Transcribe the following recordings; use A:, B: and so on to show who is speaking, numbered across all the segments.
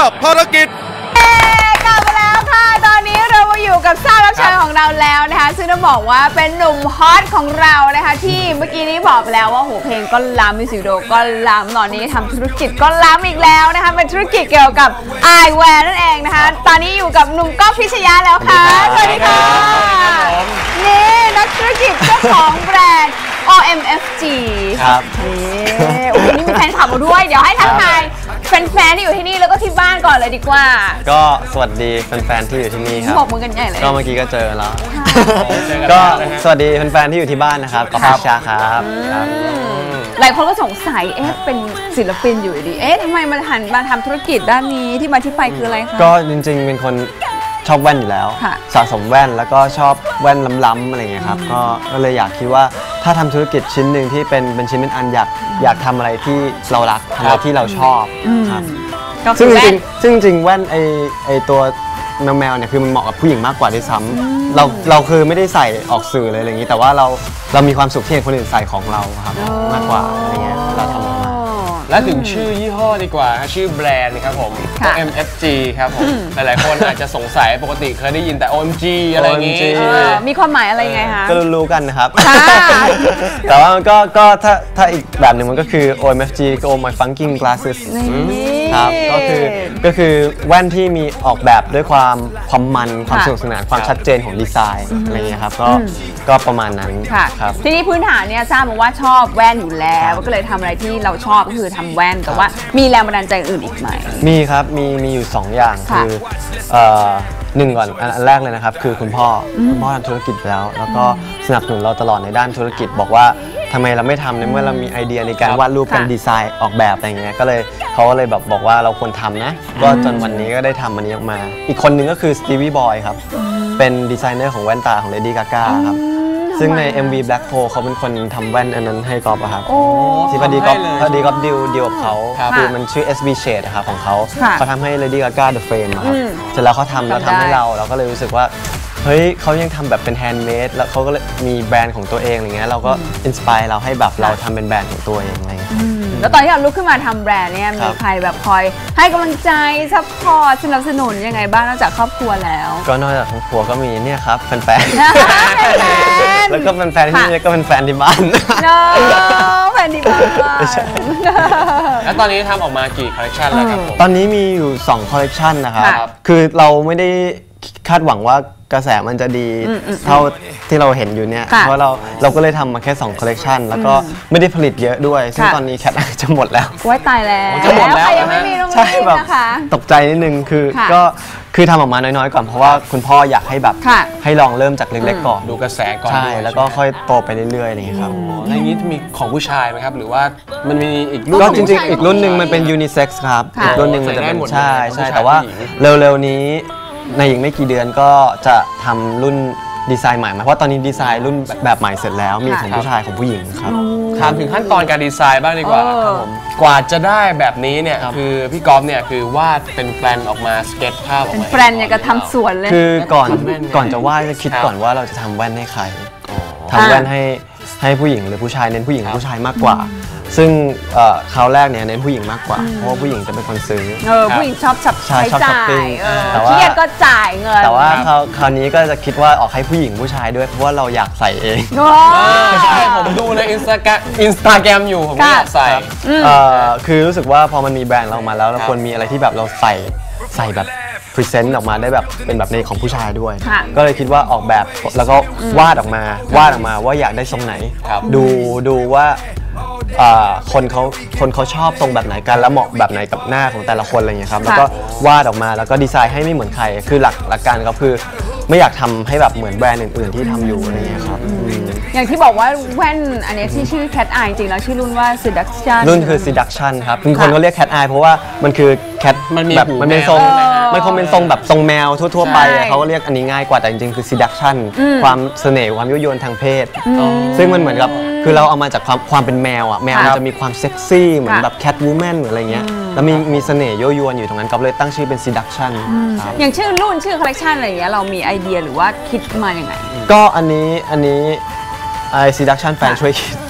A: ภารกิจ
B: กลับมาแล้วค่ะตอนนี้เรามาอยู่กับซ่ารับเชิญของเราแล้วนะคะซึ่งต้องบอกว่าเป็นหนุ่มฮอตของเรานะคะที่เมื่อกี้นี้บอกไปแล้วว่าโหเพลงก็ล้ำมิวสิกวิดีโอก็ล้ำตอนนี้ทำธุรกิจก็ล้ำอีกแล้วนะคะเป็นธุรกิจเกี่ยวกับไอแวร์นั่นเองนะคะตอนนี้อยู่กับหนุ่มก้องพิชยาแล้วค่ะสวัสดีค่ะนี่นักธุรกิจเจ้าของแบรนด์ OMFG
C: ครับ
B: นี่โอ้โหนี่มีแฟนคลับมาด้วยเดี๋ยวให้ทักทายแฟนๆที่อยู่ที่นี่แล้วก็ที่บ้านก่อนเลยดีกว่า
C: ก็สวัสดีแฟนๆที่อยู่ที่นี่ครับ
B: บอกมือกันใหญ่เลย
C: ก็เมื่อกี้ก็เจอแล้วก็สวัสดีแฟนๆที่อยู่ที่บ้านนะครับก็พิชาครับ
B: หลายคนก็สงสัยเป็นศิลปินอยู่ดีทำไมมาหันมาทำธุรกิจด้านนี้ที่มาที่ไปคืออะไรคะ
C: ก็จริงๆเป็นคนชอบแว่นอยู่แล้วสะสมแว่นแล้วก็ชอบแว่นล้ำๆอะไรอย่างเงี้ยครับก็เลยอยากคิดว่าถ้าทำธุรกิจชิ้นหนึ่งที่เป็นชิ้นเป็นอันอยากทำอะไรที่เรารักทำอะไรที่เราชอบครับซึ่งจริงแว่นไอตัวแมวเนี่ยคือมันเหมาะกับผู้หญิงมากกว่าด้วยซ้ำเราคือไม่ได้ใส่ออกสื่อเลยอะไรอย่างนี้แต่ว่าเรามีความสุขที่เห็นคนอื่นใส่ของเราครับมากกว่าอะไรเงี้ยเราทำ
A: และถึงชื่อยี่ห้อดีกว่าชื่อแบรนด์นะครับผม OMFG ครับผมหลายๆคนอาจจะสงสัยปกติเคยได้ยินแต่ OMG อะไรอย่างงี้
B: มีความหมายอะไรไงคะ
C: ก็รู้กันนะครับแต่ว่าก็ถ้าอีกแบบหนึ่งมันก็คือ OMFG ก็ Oh My Funking Glasses ครับก็คือแว่นที่มีออกแบบด้วยความมันความสนุกสนานความชัดเจนของดีไซน์อะไรเงี้ยครับก็ประมาณนั้นครับ
B: ทีนี้พื้นฐานเนี่ยทราบมาว่าชอบแว่นอยู่แล้วก็เลยทำอะไรที่เราชอบก็คือทำแว่นแต่ว่ามีแรงบันดาลใจอื่นอีกไหม
C: มีครับมีอยู่2อย่างคือหนึ่งก่อนอันแรกเลยนะครับคือคุณพ่อทำธุรกิจแล้วก็สนับสนุนเราตลอดในด้านธุรกิจบอกว่าทำไมเราไม่ทำในเมื่อเรามีไอเดียในการวาดรูปกันดีไซน์ออกแบบอะไรเงี้ยเขาก็เลยบอกว่าเราควรทำนะก็จนวันนี้ก็ได้ทำมันนี้ออกมาอีกคนหนึ่งก็คือสตีวีบอยครับเป็นดีไซเนอร์ของแว่นตาของ Lady Gaga ครับซึ่งใน MV Black Hole เขาเป็นคนทำแว่นอันนั้นให้ก๊อฟครับที่พอดีก๊อฟดิวกับเขาคือมันชื่อ SB Shade ครับของเขาทำให้ Lady Gaga The Frame ครับเสร็จแล้วเขาทำให้เราก็เลยรู้สึกว่าเฮ้ยเขายังทำแบบเป็นแฮนด์เมดแล้วเขาก็มีแบรนด์ของตัวเองอะไรเงี้ยเราก็อินสไปร์เราให้แบบเราทำเป็นแบรนด์ของตัวเองอะไรเงี้ย
B: แล้วตอนที่เราลุกขึ้นมาทำแบรนด์เนี่ยมีใครแบบคอยให้กำลังใจซัพพอร์ตสนับสนุนยังไงบ้างนอกจากครอบครัวแล้ว
C: ก็นอกจากครอบครัวก็มีเนี่ยครับแฟนแล้วก็แฟนที่นี่ก็เป็นแฟนที่บ้าน
B: แฟนที่บ้าน
A: แล้วตอนนี้ทำออกมากี่คอลเลคชันแล้วครับ
C: ตอนนี้มีอยู่2คอลเลคชันนะครับคือเราไม่ได้คาดหวังว่ากระแสมันจะดีเท่าที่เราเห็นอยู่เนี่ยเพราะเราก็เลยทำมาแค่2คอลเลคชันแล้วก็ไม่ได้ผลิตเยอะด้วยซึ่งตอนนี้แคทจะหมดแล้ว
B: ว้ายตายแล้ว
A: จะหมดแล้ว
B: ยังไม่มีโรงเรียนนะคะ
C: ตกใจนิดนึงคือทำออกมาน้อยๆก่อนเพราะว่าคุณพ่ออยากให้แบบให้ลองเริ่มจากเล็กๆก่อน
A: ดูกระแสก่อน
C: ใช่แล้วก็ค่อยโตไปเรื่อยๆนี่ครับ
A: แล้วนี้มีของผู้ชายไหมครับหรือว่ามันมีอีกรุ่น
C: ก็จริงๆอีกรุ่นหนึ่งมันเป็นยูนิเซ็กซ์ครับอีกรุ่นหนึ่งมันจะเป็นใช่แต่ว่าเร็วๆนี้ในอีกไม่กี่เดือนก็จะทำรุ่นดีไซน์ใหม่เพราะตอนนี้ดีไซน์รุ่นแบบใหม่เสร็จแล้วมีของผู้ชายของผู้หญิงครับ
A: ถามถึงขั้นตอนการดีไซน์บ้างดีกว่าครับผมกว่าจะได้แบบนี้เนี่ยคือพี่ก๊อฟเนี่ยคือวาดเป็นแปลนออกมาสเก็ตภาพออกมา
B: แปลนเนี่ยก็ทำสวนเลย
C: คือก่อนจะวาดจะคิดก่อนว่าเราจะทำแว่นให้ใครทำแว่นให้ผู้หญิงหรือผู้ชายเน้นผู้หญิงผู้ชายมากกว่าซึ่งคราวแรกเนี่ยเน้นผู้หญิงมากกว่าเพราะว่าผู้หญิงจะเป็นคนซื้อ
B: ผู้หญิงชอบใช้จ่าย
C: เครี
B: ยดก็จ่ายเงิน
C: แต่ว่าคราวนี้ก็จะคิดว่าออกให้ผู้หญิงผู้ชายด้วยเพราะว่าเราอยากใส่เอง
A: ใช่ผมดูในอินสตาแกรมอยู่ผมอยากใส่
C: คือรู้สึกว่าพอมันมีแบรนด์เรามาแล้วเราควรมีอะไรที่แบบเราใส่แบบพรีเซนต์ออกมาได้แบบเป็นแบบในของผู้ชายด้วยก็เลยคิดว่าออกแบบแล้วก็วาดออกมาว่าอยากได้ทรงไหนดูว่าคนเขาชอบทรงแบบไหนกันแล้วเหมาะแบบไหนกับหน้าของแต่ละคนอะไรเงี้ยครับแล้วก็วาดออกมาแล้วก็ดีไซน์ให้ไม่เหมือนใครคือหลักการก็คือไม่อยากทำให้แบบเหมือนแบรนด์อื่นๆที่ทำอยู่อะไรเงี้ยครับ
B: อย่างที่บอกว่าแว่นอันนี้ที่ชื่อ Cat Eye จริงๆแล้วชื่อรุ่นว่า Seduction
C: รุ่นคือ Seduction ครับบางคนก็เรียก Cat Eye เพราะว่ามันคือ Cat แบบมันเป็นทรงมันคงเป็นทรงแบบทรงแมวทั่วๆไปเขาก็เรียกอันนี้ง่ายกว่าแต่จริงๆคือ Seduction ความเสน่ห์ความยั่วยวนทางเพศซึ่งมันเหมือนกับคือเราเอามาจากความเป็นแมวอ่ะแมวมันจะมีความเซ็กซี่เหมือนแบบ Cat Woman หรืออะไรเงี้ยแล้วมีเสน่ห์ยั่วยวนอยู่ตรงนั้นก็เลยตั้งชื่อเป็น Seduction
B: อย่างชื่อรุ่นชื่อคอลเลคชันอะไรอย่างเงี้ยเรามีไอเดียหรือว่าคิดมาอย่างไง
C: ก็อันนี้Seduction แฟนช่วยคิด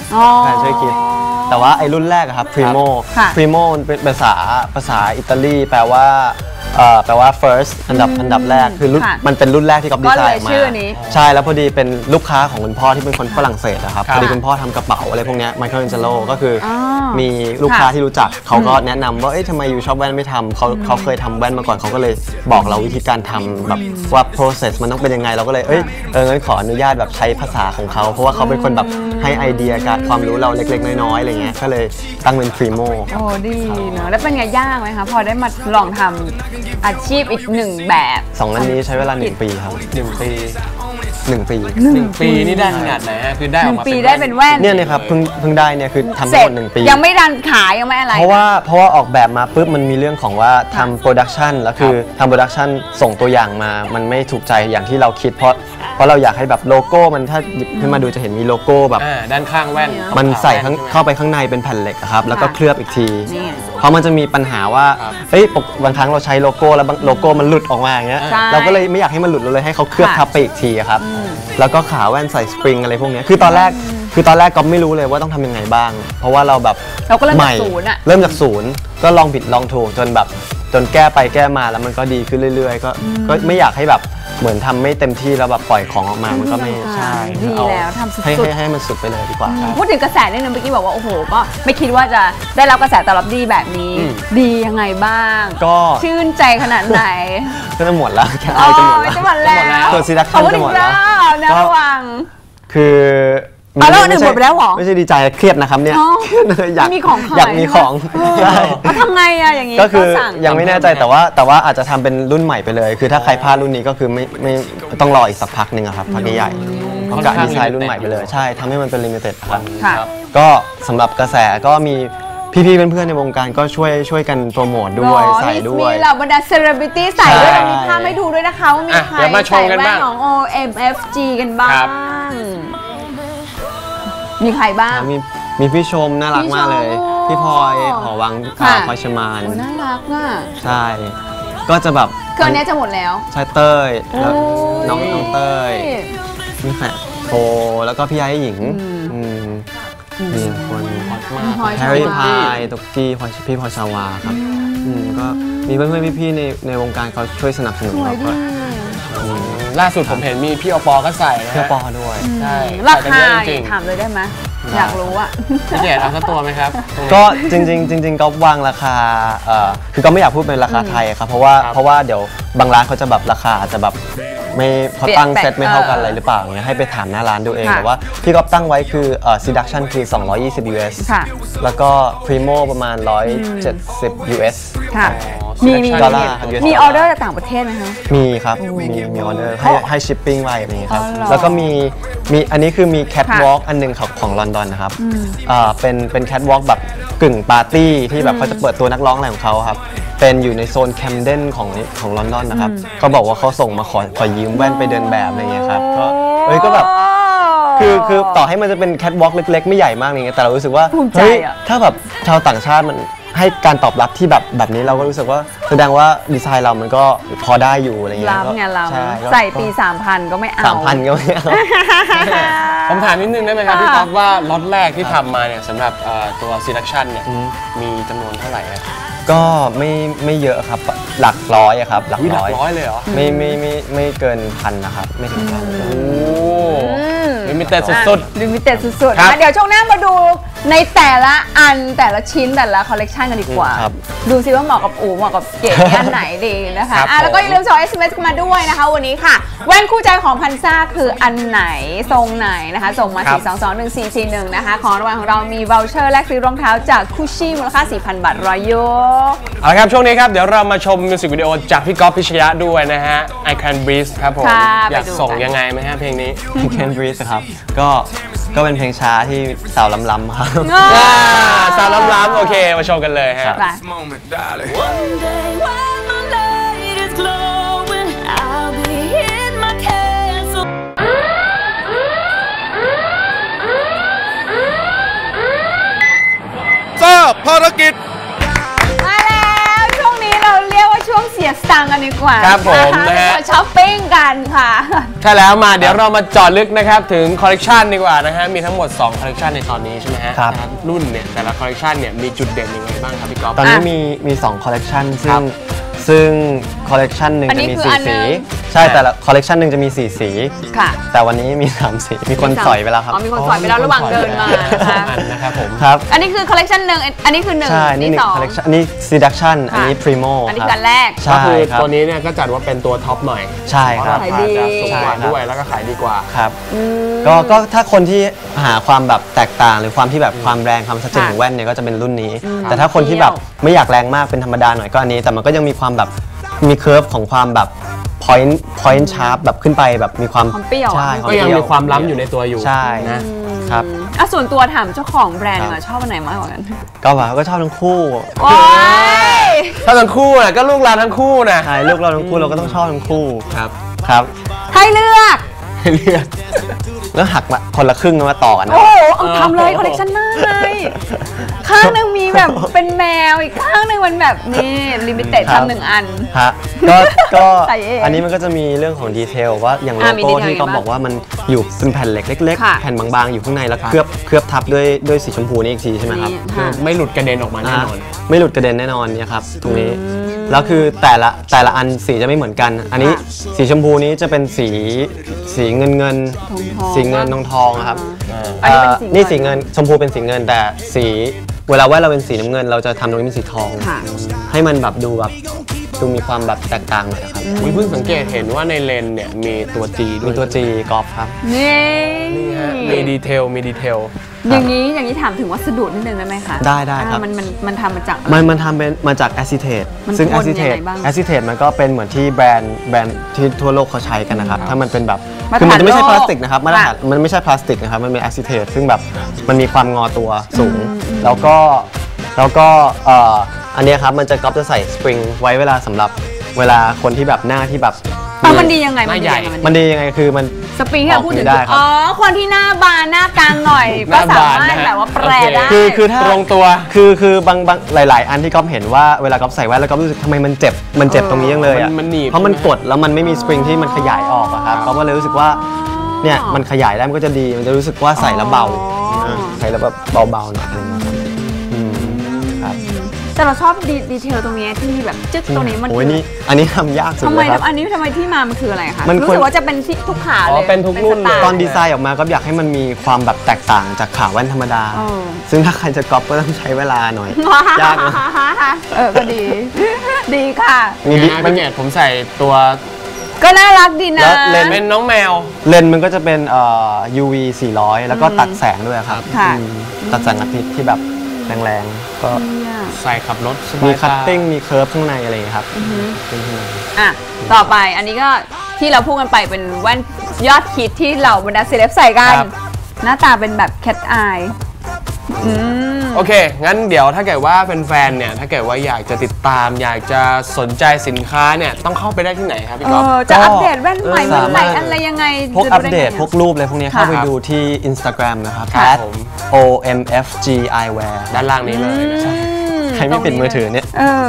C: แฟนช่วยคิดแต่ว่าไอ้รุ่นแรกอะครับ Primo
B: ค่ะ
C: Primo มันเป็นภาษาอิตาลีแปลว่าfirst อันดับแรกคือมันเป็นรุ่นแรกที่ก๊อฟดีไซน์ออกมาใช่แล้วพอดีเป็นลูกค้าของคุณพ่อที่เป็นคนฝรั่งเศสนะครับพอดีคุณพ่อทำกระเป๋าอะไรพวกนี้ไมเคิลแองเจโลก็คือมีลูกค้าที่รู้จักเขาก็แนะนำว่าทำไมอยู่ชอบแว่นไม่ทำเขาเคยทำแว่นมาก่อนเขาก็เลยบอกเราวิธีการทำแบบว่า process มันต้องเป็นยังไงเราก็เลยงั้นขออนุญาตแบบใช้ภาษาของเขาเพราะว่าเขาเป็นคนแบบให้ไอเดียการความรู้เราเล็กๆน้อยๆอะไรเงี้ยก็เลยตั้งเป็น Primo
B: โอ้ดีเนอะแล้วเป็นไงยากไหมคะพอได้มาลองทำอาชีพอีกหนึ่งแบบ
C: 2อันนี้ใช้เวลา1 ปีครับ
A: 1 ปี
C: 1 ปี
A: 1 ปีนี่ได้ขนาดไหนฮะคือได้ออกมา
B: 1 ปีได้เป็นแว่น
C: เนี่ยครับเพิ่งได้เนี่ยคือทำทั้งหมด1 ปี
B: ยังไม่ดันขายยังไม่อะไร
C: เพราะว่าออกแบบมาปุ๊บมันมีเรื่องของว่าทำโปรดักชันแล้วคือทำโปรดักชันส่งตัวอย่างมามันไม่ถูกใจอย่างที่เราคิดเพราะเราอยากให้แบบโลโก้มันถ้าหยิบขึ้นมาดูจะเห็นมีโลโก้แบบ
A: ด้านข้างแว่น
C: มันใส่เข้าไปข้างในเป็นแผ่นเหล็กครับแล้วก็เคลือบอีกทีเพราะมันจะมีปัญหาว่าบางครั้งเราใช้โลโก้แล้วโลโก้มันหลุดออกมาอย่างเงี้ยเราก็เลยไม่อยากให้มันหลุดเราเลยให้เขาเคลือบทับไปอีกทีครับแล้วก็ขาแว่นใส่สปริงอะไรพวกนี้คือตอนแรกก็ไม่รู้เลยว่าต้องทำยังไงบ้างเพราะว่าเราแบบ
B: เราก็เริ่มจากศูนย์
C: เริ่มจากศูนย์ก็ลองผิดลองถูกจนแก้ไปแก้มาแล้วมันก็ดีขึ้นเรื่อยๆก็ไม่อยากให้แบบเหมือนทำไม่เต็มที่แล้วแบบปล่อยของออกมามันก็ไม่ใช่
B: ดีแล้วทำสุด
C: ให้มันสุดไปเลยดีกว่า
B: พูดถึงกระแสนิดนึงเมื่อกี้บอกว่าโอ้โหก็ไม่คิดว่าจะได้รับกระแสตอบรับดีแบบนี้ดียังไงบ้าง
C: ก็
B: ชื่นใจขนาดไหน
C: ก็จะหมดแล้วแค่
B: จะหมดแล้ว
C: ตัวซีดักชั่นจะหมดแล้ว
B: นะระวัง
C: คือ
B: แล้วอื่นหมดไปแล้วหรอ
C: ไม่ใช่ดีใจเครียดนะครับเนี่ย
B: อยาก
C: มีของ
B: ใช่ทำไงอะอย่างงี้
C: ก็คือยังไม่แน่ใจแต่ว่าอาจจะทำเป็นรุ่นใหม่ไปเลยคือถ้าใครพลาดรุ่นนี้ก็คือไม่ต้องรออีกสักพักหนึ่งครับพักใหญ่ๆเขากะดีไซน์รุ่นใหม่ไปเลยใช่ทำให้มันเป็นลิมิเต็ดครับก็สำหรับกระแสก็มีพี่ๆเพื่อนๆในวงการก็ช่วยกันโปรโมทด้วยใส่ด้วย
B: มีเหล่าบรรดาเซเลบริตี้ใส่ด้วยเรามีภาพให้ดูด้วยนะคะว่ามีใครใส่แว่นของ OMFG กันบ้างมีใครบ้าง
C: มีพี่ชมน่ารักมากเลยพี่พลอยหอวังพลอยชมาน
B: น่ารักอ่ะ
C: ใช่ก็จะแบบ
B: เครื่องนี้จะหมดแล้ว
C: ใช่เต้ยแล้วน้องเต้ยนี่แฝดโฟแล้วก็พี่ไอ้หญิงมีคนแฮร์รี่พายตุกกี้พี่พลอยชาวาครับก็มีเพื่อนๆพี่ๆในวงการเขาช่วยสนับสนุนเราก็
A: ล่าสุดผมเห็นมีพี่อปอก็ใส่
C: พี่อปอด้วย
A: ใช่
B: ราคาถามเลยได้ไหมอยากรู้อ่ะ
A: พี่เจดเอาสักตัวไหมครับ
C: ก็จริงก็วางราคาคือก็ไม่อยากพูดเป็นราคาไทยครับเพราะว่าเดี๋ยวบางร้านเขาจะแบบราคาอาจจะแบบไม่เขาตั้งเซตไม่เท่ากันอะไรหรือเปล่าเงี้ยให้ไปถามหน้าร้านดูเองแต่ว่าพี่ก๊อฟตั้งไว้คือseduction คือ220 US แล้วก็ Primo ประมาณ170 US
B: ค่ะมีออเดอร์จากต่างประเทศไหมคะ
C: มีครับมีออเดอร์ให้ชิปปิ้งไว้อะไรอย่างเงี้ยครับแล้วก็มีอันนี้คือมีแคทวอล์กอันนึงของลอนดอนนะครับเป็นแคทวอล์กแบบกึ่งปาร์ตี้ที่แบบเขาจะเปิดตัวนักร้องอะไรของเขาครับเป็นอยู่ในโซนแคมเดนของลอนดอนนะครับเขาบอกว่าเขาส่งมาขอยืมแว่นไปเดินแบบอะไรอย่างเงี้ยครับก็แบบคือต่อให้มันจะเป็นแคทวอล์กเล็กๆไม่ใหญ่มากอย่างเงี้ยแต่เรารู้สึกว่าเฮ้ยถ้าแบบชาวต่างชาติมันให้การตอบรับที่แบบนี้เราก็รู้สึกว่าแสดงว่าดีไซน์เรามันก็พอได้อยู่อะไรเงี้ย
B: ใส่ปี 3,000 ก็ไม่เอา
C: 3,000 ก็ไม่เอา
A: ผมถามนิดนึงได้ไหมครับพี่ก๊อฟว่าล็อตแรกที่ทำมาเนี่ยสำหรับตัว seduction เนี่ยมีจำนวนเท่าไหร่
C: ก็ไม่เยอะครับหลักร้อยครับหลักร้
A: อยเลยเหรอ
C: ไม่เกิน1,000นะครับไม่ถึง1,000
A: ลิมิเต็ดสุด
B: ๆลิมิเต็ดสุดๆเดี๋ยวช่วงหน้ามาดูในแต่ละอันแต่ละชิ้นแต่ละคอลเลกชันกันดีกว่าดูซิว่าเหมาะกับอู๋เหมาะกับเก๋อันไหนดีนะคะแล้วก็อย่าลืมส่ง SMS มาด้วยนะคะวันนี้ค่ะแว่นคู่ใจของพันซ่าคืออันไหนทรงไหนนะคะส่งมา4221441นะคะของรางวัลของเรามีวอลเชอร์แลกซื้อรองเท้าจากคุชชี่มูลค่า 4,000 บาทรอยโย
A: เอาละครับช่วงนี้ครับเดี๋ยวเรามาชมมิวสิกวิดีโอจากพี่ก๊อฟพิชยะด้วยนะฮะ I Can Breathe ครับผมอยากส่งยังไงไหมฮะเพลงนี้
C: I Can Breathe ครับก็เป็นเพลงช้าที่สาวล้ำๆครับ
A: สาวล้ำๆโอเคมาชมกันเลยฮะ
D: ภารกิจ
B: มาแล้วช่วงนี้เราเรียกว่าช่วงเสียสียสตังค์กันดีกว่า
A: ครับผมนะฮะ
B: ไปช้อปปิ้งกันค่ะ
A: ใช่แล้วมาเดี๋ยวเรามาเจาะลึกนะครับถึงคอลเลกชันดีกว่านะฮะมีทั้งหมด2คอลเลกชันในตอนนี้ใช่ไหมฮะ
C: ครับ
A: นะรุ่นเนี่ยแต่ละคอลเลกชันเนี่ยมีจุดเด่นยังไงบ้างครับพี่ก๊อฟ
C: ตอนนี้มี2คอลเลกชัน
A: ครับ
C: ซึ่งคอลเลกชันหนึ่ง
B: อันนี้
C: จะมี
B: คืออัน
C: 4
B: หนึ่
C: สี
B: ง
C: ใช่แต่ละคอลเลกชันหนึ่งจะมี4 สี
B: ค่ะ
C: แต่วันนี้มี3 สีมีคนสอยไปแล้วครับ
B: อ๋อมีคนสอยไปแล้วระหว่างเดินมานะคะ
A: อันนะครับผม
C: ครับ
B: อันนี้คือคอลเลกชันหนึ่งอันนี้คือหนึ่ง
C: ใช่นี่หนึ่
B: ส
C: ง
B: อง
C: คอลเลกชันอันนี้ seduction อันนี้ primo
B: อันนี้
C: ค
B: คือ
C: รั
B: อันแรก
C: ใช่
A: ก็คือ
C: ครับ
A: ตัวนี้เนี่ยก็จัดว่าเป็นตัวท็อปหน่อย
C: ใช่ครับ
A: เพาะราคาจะสูงกว่า
C: ใช่ครับ
A: ด้วยแล้วก็ขายดีกว่า
C: ครับก็ถ้าคนที่หาความแบบแตกต่างหรือความที่แบบความแรงความชัดเจนของแว่นเนี่ยก็จะเป็นรุ่นนี้ แต่ถ้าคนที่แบบไม่อยากแรงมากเป็นธรรมดาหน่อยก็อันนี้แต่มันก็ยังมีความแบบมีเค r ร์ฟของความแบบ point sharp แบบขึ้นไปแบบมีความ
B: ความเปรี้ยว
C: ใช่
A: ก็ยังมีความล้ำอยู่ในตัวอยู่
C: ใช่
A: นะครับ
B: อ่ะส่วนตัวถามเจ้าของแบรนด์ดีกว่าชอบอันไหนมากกว่ากัน
C: ก็แบบก็ชอบทั้งคู่
B: โอ้ย
A: ถ้าทั้งคู่น่ะก็ลูกเราทั้งคู่นะ
C: ใช่ลูกเราทั้งคู่เราก็ต้องชอบทั้งคู่
A: ครับ
C: ครับ
B: ให้เลือก
A: ให้เลือก
C: แล้วหักมาคนละครึ่งมาต่อกันนะ
B: โอ้โหเอาทำเลยคอลเลกชันหน้าเลยข้างหนึ่งมีแบบเป็นแมวอีกข้างหนึ่งมันแบบนี่ลิมิเต็ด
C: ครับ
B: ทำหนึ่งอัน
C: ฮะก็
B: ใส่เอง
C: อันนี้มันก็จะมีเรื่องของดีเทลว่าอย่างโล
B: มี
C: โก้
B: ดีเทล
C: ที่เขา
B: ยังไงบ้าง
C: บอกว่ามันอยู่เป็นแผ่นเหล็กเล็ก
B: ค่ะ
C: ๆ แผ่นบางๆ อยู่ข้างในแล้วเคลือบทับด้วยสีชมพูนี่อีกทีใช่ไหมครับ
B: นี่
A: คือ
B: ค่ะ
A: ไม่หลุดกระเด็นออกมาแน่นอน
C: ไม่หลุดกระเด็นแน่นอนเนี่ยครับตรงนี้แล้วคือแต่ละอันสีจะไม่เหมือนกัน อันนี้
B: ค่ะ
C: สีชมพูนี้จะเป็นสีเงิน
B: ทองๆ
C: สีเงินทองครับ
B: อันนี้เป็นสีเงิน
C: นี่สีเงินชมพูเป็นสีเงินแต่สีเวลาว่าเราเป็นสีน้ำเงิน เราจะทำตรงนี้เป็นสีทอง
B: ค่ะ
C: ให้มันแบบดูมีความแบบแตกต่างหน่อยนะครับ
A: อุ๊ยเพิ่งสังเกตเห็นว่าในเลนส์เนี่ยมีตัว G ด้วย
C: มีตัว G กอล์ฟครับ
B: นี่
A: นี่ฮะมีดีเทล
B: อย่างนี้ถามถึงวัสดุนิดนึงได้ไหมคะ
C: ได้ครับ
B: มันทำมาจากอะไร
C: มันทำเป็นมาจากแอซิเทต
B: มัน
C: ซึ่ง
B: พ่
C: แอน ซิเท
B: ยัง
C: ต
B: ไงบ้าง
C: แอซิเทตมันก็เป็นเหมือนที่แบรนด์ที่ทั่วโลกเขาใช้กันนะครับ ถ้ามันเป็นแบบ
B: มาตร
C: คือมัน
B: ฐาน
C: จะไม่ใช่
B: โลก
C: พลาสติกนะครับมาตรฐาน
B: ค่ะ
C: มันไม่ใช่พลาสติกนะครับมันเป็นแอซิเทตซึ่งแบบมันมีความงอตัวสูง แล้วก็อันเนี้ยครับมันจะก๊อปจะใส่สปริงไว้เวลาสำหรับเวลาคนที่แบบหน้าที่แบบ
B: มันดียังไง
A: หน้าใหญ่
C: มันดียังไงคือมัน
B: สปริงที่เราพูดถึง
C: ออกไม่ได้ครับ
B: อ๋อคนที่หน้าบานหน้ากลางหน่อย
A: ห
B: ก็
A: น้า
B: สา
A: บาน
B: มารถ
A: นะฮะ
B: แบบว่าแปล
A: โอเค
B: ได้
C: คือถ้า
A: ตรงตัว
C: คือบางหลาย ๆ อันที่ก๊อฟเห็นว่าเวลาก๊อฟใส่แว่นแล้วก๊อฟรู้สึกทำไมมันเจ็บตรงนี้ยังเลยอ่ะ
A: มันหนีบ
C: เพราะมันกดแล้วมันไม่มีสปริงที่มันขยายออกอะครับก๊อฟก็เลยรู้สึกว่าเนี่ยมันขยายได้มันก็จะดีมันจะรู้สึกว่าใส่แล้วเบาใส่แล้วแบบเบาๆหน่อยอะไรเงี้ยครับครับ
B: แต่เราชอบดีเทลตรงนี้ที่แบบจึ๊กตรงนี้มัน
C: โอ้ยนี่อันนี้ทำยากสุด
B: ทำ
C: เล
B: ไม
C: ยครับ
B: อันนี้ทำไมที่มามันคืออะไรคะ
C: มัน
B: รู้
C: ควร
B: สึกว่าจะเป็นที่ทุกขา
A: อ๋
B: เล
A: อย เป็นทุกรุ่น
B: สไล์
C: ตอนดีไซน์ออกมาก็อยากให้มันมีความแบบแตกต่างจากขาแว่นธรรมดา
B: เออ
C: ซึ่งถ้าใครจะก๊อปก็ต้องใช้เวลาหน่อย ยากนะ
B: ก็ดี ดีค่ะ
C: มีดิ
A: มันเนี่ยผมใส่ตัว
B: ก็น่ารักดีนะ
C: แล้วเลนส์
A: เป็นน้องแมว
C: เลนส์มันก็จะเป็นUV 400 แล้วก็ตัดแสงด้วยครับ
B: ค่ะ
C: ตัดแสงอาทิตย์ที่แบบแรงๆ ก็
A: ใส่ขับรถสบาย
C: มี
A: ตา
C: คัตติ้งมีเคิร์ฟข้างในอะไรอย่างเงี้ยครับเป็นข้างใน
B: อ่ะ ต่อไปอันนี้ก็ที่เราพูดกันไปเป็นแว่นยอดฮิตที่เหล่าบรรดาเซเลบใส่กัน
A: ครับ
B: หน้าตาเป็นแบบแคทอายอืม
A: โอเค งั้นเดี๋ยวถ้าเกิดว่าเป็นแฟนเนี่ย ถ้าเกิดว่าอยากจะติดตาม อยากจะสนใจสินค้าเนี่ย ต้องเข้าไปได้ที่ไหนครับพี่ก๊อฟ
B: จะอัปเดตแว่นใหม่
C: ก็
B: เมื่อไหร่
C: สามารถ
B: อะไรยังไง
C: พวก
B: จะ
C: อัป
B: ไไง
C: เดตพวกรูปอะไรพวกเนี้ย
B: ค่ะ
C: เข้าไปดูที่ Instagram นะครับ
A: ครับผม
C: @omfgeyewear
A: ด้านล่างนี้เลยนะครับ
C: ใครไม่ปิดมือถือเนี่ย
B: เออ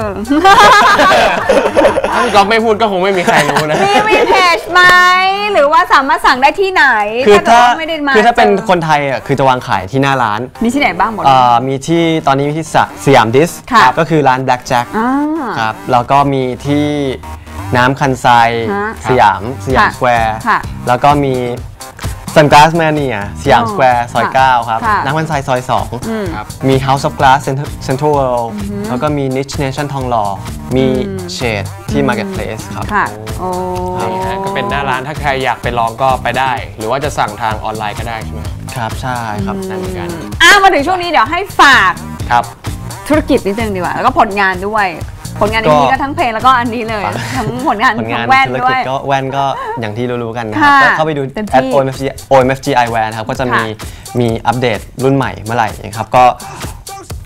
A: ถ้าพี่ก๊อฟไม่พูดก็คงไม่มีใครรู้นะ
B: มีเพจไหมหรือว่าสามารถสั่งได้ที่ไหน
C: คือถ้า
B: เกิดว่ไม่ได้มา
C: คือถ้าเป็น
B: จอ
C: คนไทยอ่ะคือจะวางขายที่หน้าร้าน
B: มีที่ไหนบ้างหมด
C: มีที่ตอนนี้มีที่สยามดิส
B: ค่ะ
C: ก็คือร้าน Black Jack
B: อ่า
C: ครับแล้วก็มีที่น้ำคันไซ
B: ฮะ
C: สยามสแควร์
B: ค่ะ
C: แล้วก็มีซันก a าสแมเนียสยาม
B: อ๋อ
C: สแควร์ซอย
B: ค่ะ
C: 9 ครับ
B: ค่ะ
C: น้ำคันไซซอย
A: ครับ
C: 2 มี House of Glass Central World แล้วก็มี Niche Nation ทองหล่อมี Shade ที่ Marketplace ครับ
B: ค่ะ โอ้
A: นี่ฮะก็เป็นหน้าร้านถ้าใครอยากไปลองก็ไปได้ หรือว่าจะสั่งทางออนไลน์ก็ได้ใช่ไหม
C: ครับใช่ครับ
A: นั่นเหมือนกัน
B: มาถึงช่วงนี้เดี๋ยวให้ฝาก
A: ครับ
B: ธุรกิจนิดนึงดีกว่า แล้วก็ผลงานด้วย ผลงานในนี้ก็ทั้งเพลงแล้วก็อันนี้เลย ทั้งผลงาน
C: ผลงา
B: ทั้
C: น
B: งแว่น
C: ธุร
B: ด้ว
C: กิจ
B: ย
C: ก็แว่นก็อย่างที่รู้ๆกันนะครับ
B: ค่ะ
C: ก็เข้าไปดู
B: เต็มที่
C: @omfgeyewear นะครับก็จะมี
B: ค่ะ
C: มีอัปเดตรุ่นใหม่เมื่อไหร่นะครับก็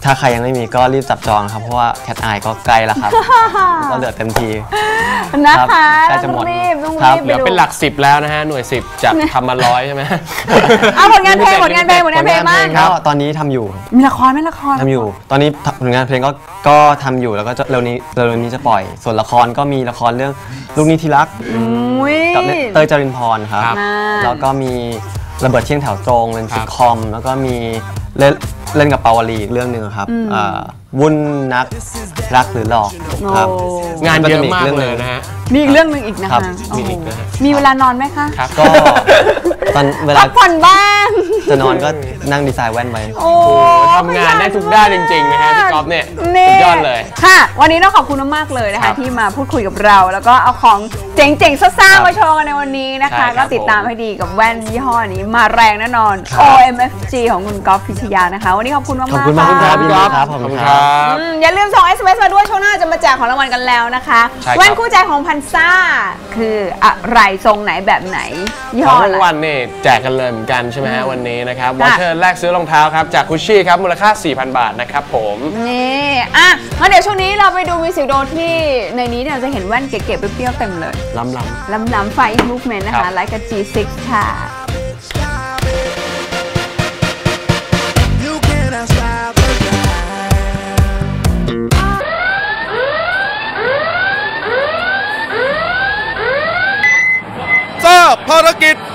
C: ถ้าใครยังไม่มีก็รีบจับจองครับเพราะว่าแคทไอก็ใกล้แล้วครับ ก็เหลือเต็มที
B: นะคะ
C: ใกล้จะหมด
B: ต้อง
C: ครับ
B: รีบ
A: เหลือเป็นหลัก 10 แล้วนะฮะ หน่วย 10 จากทำมา100 ใช่ไหม
B: เอาผลงานเพลงบ้าง
C: ก็ตอนนี้ทำอยู่
B: มีละครไหมละคร
C: ทำอยู่ ตอนนี้ผลงานเพลงก็ทำอยู่แล้วก็เร็วนี้จะปล่อย ส่วนละครก็มีละครเรื่องลูกนี้ที่รัก
B: อุ้ย
C: กับเต้ยจรินพรครับ
A: ครับ
C: แล้วก็มีระเบิดเที่ยงแถวตรงเป็นซิทคอมแล้วก็มีเล่นกับปาวลีอีกเรื่องหนึ่งครับวุ่นนักรักหรือหลอกครับ
B: โอ้
A: งานเยอะมากเลยนะฮะ
B: มีอีกเรื่องหนึ่งอีกนะ
C: ครั
B: คะ
C: บ
B: โอ้โห
A: มีอีกนะฮะ
B: มีเวลานอนไหมคะ
A: ครับ
C: ก็ตอนเวลา
B: พักผ่อนบ้าง
C: จะนอนก็นั่งดีไซน์แว่นไป
B: โอ้
A: ทำงานได้ทุกด้านจริงๆนะฮะพี่ก๊อฟเนี่ย
B: นี่
A: สุดยอดเลย
B: ค่ะ วันนี้ต้องขอบคุณมากๆเลยนะ
A: ครั
B: คะ
A: บ
B: ที่มาพูดคุยกับเรา แล้วก็เอาของเจ๋งๆซ่าๆมาโชว์กันในวันนี้นะ
A: ใช่
B: คะ
A: ครั
B: ก็
A: บ
B: ติดตามให้ดีกับแว่นยี่ห้อนี้มาแรงแน่นอน OMFG ของคุณก๊อฟพิชยานะคะ วันนี้ขอบคุณมากๆ
C: ขอบคุณมาก
B: ค่ะ
C: ครับ
A: พี่
C: พี่
A: ก๊
C: ก๊
A: อ
C: อ
A: ฟ
C: ฟครับผม
A: ขอบคุณ
C: ค
A: ค
C: รั
A: รับ
B: อย่าลืมส่ง SMS มาด้วยช่วงหน้าจะมาแจกของรางวัลกันแล้วนะคะ
A: ใช่ครับ
B: แว่นคู่ใจของพันซ่าคืออะไรทรงไหนแบบไหนยี่
A: ข
B: ห้
A: อ
B: อง อะไร
A: รางวัลนี่แจกกันเลยเหมือนกันใช่ไหมฮะวันนี้นะครับวอเชอร์แลกซื้อรองเท้าครับจากคุชชี่ครับมูลค่า 4,000 บาทนะครับผม
B: นี่อ่ะงั้นเดี๋ยวช่วงนี้เราไปดูมิวสิกวิดีโอที่ในนี้เนี่ยจะเห็นแว่นเก๋ๆเปรี้ยวๆเต็มเลย
A: ล้ำ
B: ล้ำๆไฟมูฟเมนต์นะ
A: ครั
B: คะ
A: บ
B: ไลค์กับ G6 ค่ะ
D: You cannot stop the night.
E: ทราบภารกิจ